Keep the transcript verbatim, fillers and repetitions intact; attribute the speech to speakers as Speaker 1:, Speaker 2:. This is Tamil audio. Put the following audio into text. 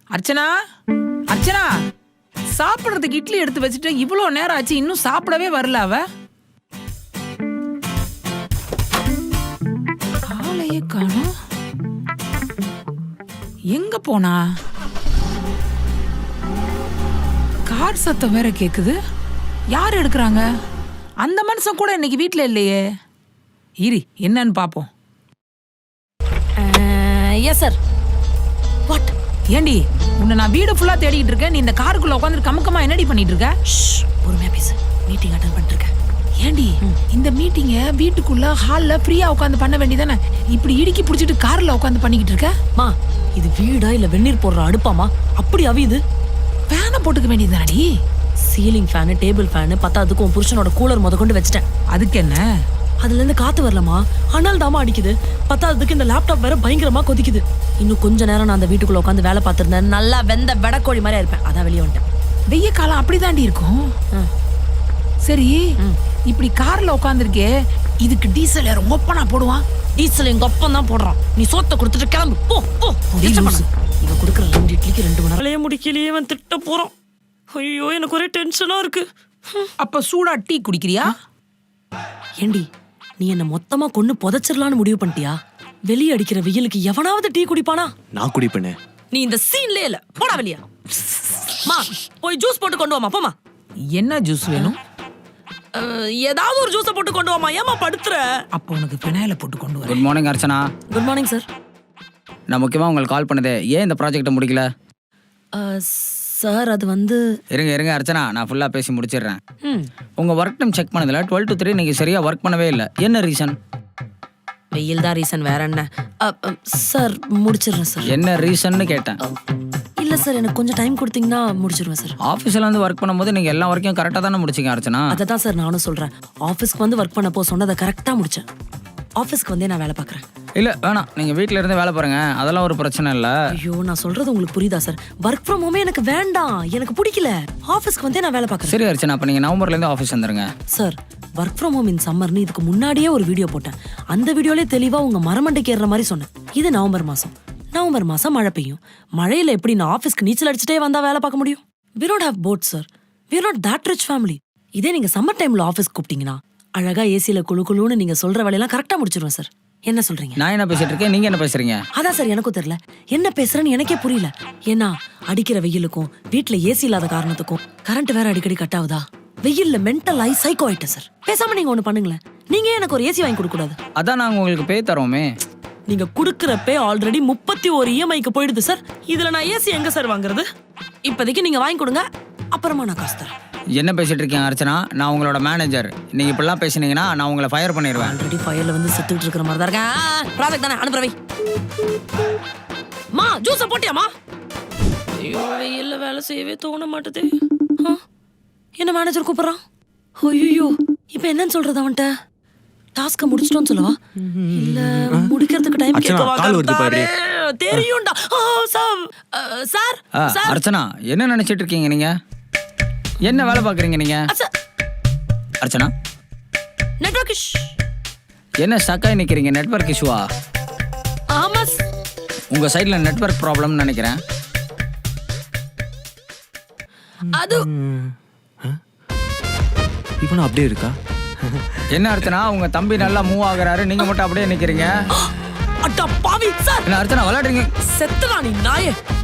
Speaker 1: அர்ச்சனா அர்ச்சனா சாப்பிடுறதுக்கு இட்லி எடுத்து வச்சுட்டு இவ்வளோ நேரம் ஆச்சு, இன்னும் சாப்பிடவே வரல அவ. காலையே காணோம். எங்க போனா? கார் சத்தம் வேற கேக்குது. யார் எடுக்கிறாங்க? அந்த மனுஷன் கூட இன்னைக்கு வீட்ல இல்லையே. இரு, என்னன்னு பாப்போம்.
Speaker 2: Yes sir. வாட்?
Speaker 1: ஏண்டி, உன்னை நான் வீடு ஃபுல்லா தேடிட்டு இருக்கேன், நீ இந்த காருக்குள்ள உட்காந்து கமுக்கமா என்னடி பண்ணிட்டு இருக்க?
Speaker 2: பொறுமையா பேசு, மீட்டிங் அட்டெண்ட் பண்ணிட்டு இருக்கேன்.
Speaker 1: ஏண்டி, இந்த மீட்டிங்க வீட்டுக்குள்ள ஹால்ல ஃப்ரீயா உட்காந்து பண்ண வேண்டியதானே, இப்படி இடுக்கி பிடிச்சிட்டு கார்ல உட்காந்து பண்ணிக்கிட்டு இருக்க?
Speaker 2: மா, இது வீடா இல்ல வெந்நீர் போடுற அடுப்பாமா? அப்படி அவியுது.
Speaker 1: ஃபேனை போட்டுக்க வேண்டியதானடி.
Speaker 2: சீலிங் ஃபேனு, டேபிள் ஃபேனு, பத்தாதுக்கு உன் புருஷனோட கூலர் முத கொண்டு வச்சிட்டேன்.
Speaker 1: அதுக்கு என்ன?
Speaker 2: அதுல இருந்து காத்து வரலமா, ஆனால் தாமா அடிக்குது. பத்தாததுக்கு இந்த லேப்டாப் வேற பயங்கரமா கொதிக்குது. இன்னும் கொஞ்ச நேரம் நான் அந்த வீட்டுக்குள்ள உட்காந்து வேலை பார்த்திருந்தேன், நல்லா வெந்த வெடக்கோழி மாதிரி இருப்பேன். அதான் வெளியே வந்துட்டேன்.
Speaker 1: வெய்ய காலம் அப்படிதாண்டி இருக்கும். சரி, இப்படி கார்ல உட்காந்துருக்கே, இதுக்கு டீசல் யார் ஓப்பனா போடுவான்?
Speaker 2: டீசல் எங்க அப்பன் தான் போடுறான். நீ சோத்த கொடுத்துட்டு கிளம்பு போ போ. இவ கொடுக்குற ரெண்டு இட்லிக்கு ரெண்டு மணி நேரம் முடிக்கலையே, அவன் திட்ட போறான். ஐயோ, எனக்கு ஒரே டென்ஷனா இருக்கு.
Speaker 1: அப்ப சூடா டீ குடிக்கிறியா?
Speaker 2: ஏண்டி, நீ என்ன மொத்தமா கொண்டு புதைச்சிடலான்னு முடிவு பண்ணிட்டியா? வெளியே அடிக்கிற வெயிலுக்கு எவனாவது டீ குடிப்பானா?
Speaker 3: நான் குடிப்பேனே.
Speaker 2: நீ இந்த சீன்லயே இல்ல, போடா வெளியா. மா, போய் ஜூஸ் போட்டு கொண்டு வாமா. போமா.
Speaker 1: என்ன ஜூஸ் வேணும்?
Speaker 2: ஏதாவது ஒரு ஜூஸை போட்டு கொண்டு வாமா. ஏமா படுத்துற?
Speaker 1: அப்போ உனக்கு பினாயில போட்டு கொண்டு வர.
Speaker 4: Good morning Archana.
Speaker 2: Good morning sir.
Speaker 4: நான் முக்கியமாக உங்களுக்கு கால் பண்ணதே, ஏன் இந்த ப்ராஜெக்டை முடிக்கல?
Speaker 2: சார், அது வந்து
Speaker 4: இருங்க இருங்க அர்ச்சனா, நான் ஃபுல்லாக பேசி முடிச்சிடுறேன்.
Speaker 2: ம்
Speaker 4: உங்கள் ஒர்க் டைம் செக் பண்ணதில் டுவெல் டு த்ரீ நீங்கள் சரியாக ஒர்க் பண்ணவே இல்லை. என்ன ரீசன்?
Speaker 2: வெயில் தான் ரீசன், வேற என்ன? சார், முடிச்சிடுறேன் சார்.
Speaker 4: என்ன ரீசன்னு கேட்டேன்.
Speaker 2: இல்லை சார், எனக்கு கொஞ்சம் டைம் கொடுத்தீங்கன்னா முடிச்சிருவேன் சார்.
Speaker 4: ஆஃபீஸில் வந்து ஒர்க் பண்ணும்போது நீங்கள் எல்லா ஒர்க்கையும் கரெக்டாக தானே முடிச்சிங்க அர்ச்சனா?
Speaker 2: அதை தான் சார் நானும் சொல்கிறேன். ஆஃபீஸ்க்கு வந்து ஒர்க் பண்ணப்போ சொன்னதை கரெக்டாக முடித்தேன். ஆஃபீஸ்க்கு வந்தே நான் வேலை பார்க்குறேன்.
Speaker 4: இல்லை வேணாம், நீங்கள் வீட்டில் இருந்து வேலை பாருங்க, அதெல்லாம் ஒரு பிரச்சனை இல்லை.
Speaker 2: ஐயோ, நான் சொல்கிறது உங்களுக்கு புரியுதா சார்? ஒர்க் ஃப்ரம் ஹோமே எனக்கு வேண்டாம், எனக்கு பிடிக்கல. ஆஃபீஸ்க்கு வந்தே நான் வேலை பார்க்குறேன்.
Speaker 4: சரி அர்ச்சனா, அப்போ நீங்கள் நவம்பர்லேருந்து ஆஃபீஸ் வந்துருங்க.
Speaker 2: Sir, work from home in சம்மர்னு இதுக்கு முன்னாடியே ஒரு வீடியோ போட்டேன். அந்த வீடியோலே தெளிவாக உங்கள் மரமண்டைக்கு ஏறுற மாதிரி சொன்னேன். இது நவம்பர் மாதம். நவம்பர் மாதம் மழை பெய்யும். மழையில் எப்படி நான் ஆஃபீஸ்க்கு நீச்சல் அடிச்சுட்டே வந்தால் வேலை பார்க்க முடியும்? We don't have boat sir. We are not that rich family. இதே நீங்கள் சம்மர் டைமில் ஆஃபீஸ்க்கு கூப்பிட்டீங்கன்னா அழகா ஏசியில் குழு குழுன்னு நீங்கள் சொல்கிற வேலையெல்லாம் கரெக்டாக முடிச்சிருவேன் சார். என்ன சொல்றீங்க?
Speaker 4: நான் என்ன பேசிட்டு இருக்கேன், நீங்க என்ன பேசுறீங்க?
Speaker 2: அதான் சார், எனக்கும் தெரியல என்ன பேசுறேன்னு எனக்கே புரியல. ஏன்னா அடிக்கிற வெயிலுக்கும் வீட்டுல ஏசி இல்லாத காரணத்துக்கும் கரண்ட் வேற அடிக்கடி கட் ஆகுதா, வெயில்ல மென்டல் ஆகி சைக்கோ ஆயிட்டேன் சார். பேசாம நீங்க ஒண்ணு பண்ணுங்களேன், நீங்க எனக்கு ஒரு ஏசி வாங்கி கொடுக்க கூடாது?
Speaker 4: அதான் நாங்க உங்களுக்கு பே தரோமே.
Speaker 2: நீங்க குடுக்கிற பே ஆல்ரெடி முப்பத்தி ஒரு இஎம்ஐக்கு போயிடுது சார். இதுல நான் ஏசி எங்க சார் வாங்குறது? இப்போதைக்கு நீங்க வாங்கி கொடுங்க, அப்புறமா நான் காசு தரேன்.
Speaker 4: என்ன பேசிட்டு இருக்கீங்க அர்ச்சனா? நான் உங்களோட மேனேஜர். நீங்க இப்படிலாம் பேசினீங்கன்னா நான் உங்களை ஃபயர் பண்ணிடுவேன்.
Speaker 2: ஆல்ரெடி ஃபயர்ல வந்து செத்துட்டு இருக்கிற மாதிரி தான் இருக்கேன். ப்ராஜெக்ட் தானே, அனுப்புறவை. மா, ஜூஸை போட்டியாமா? ஐயோ, வெயில்ல வேலை செய்யவே தோண மாட்டுது. என்ன மேனேஜர் கூப்பிடுறான்? ஐயோ, இப்போ என்னன்னு சொல்றது அவன்கிட்ட? டாஸ்க முடிச்சிட்டோன்னு சொல்லவா, இல்ல முடிக்கிறதுக்கு டைம் கேட்கவா? தெரியும்டா சார். சார்
Speaker 4: அர்ச்சனா, என்ன நினைச்சிட்டு இருக்கீங்க நீங்க? என்ன வேலை பாக்குறீங்க நீங்க? அர்ச்சனா,
Speaker 2: நெட்வொர்க் இஷ்.
Speaker 4: என்ன ஸ்டக்காய் நிக்கிறீங்க? நெட்வொர்க் இஷ்யூவா?
Speaker 2: ஆமா,
Speaker 4: உங்க சைடுல நெட்வொர்க் ப்ராப்ளம்னு நினைக்கிறேன்.
Speaker 2: அது
Speaker 3: இப்போ அப்படியே இருக்கா?
Speaker 4: என்ன அர்ச்சனா, உங்க தம்பி நல்லா மூவ் ஆகுறாரு, நீங்க மட்டும் அப்படியே நிக்கிறீங்க.
Speaker 2: அட்டா பாவி சார்.
Speaker 4: என்ன அர்ச்சனா விளையாடுறீங்க?
Speaker 2: செத்துடா நீ நாயே.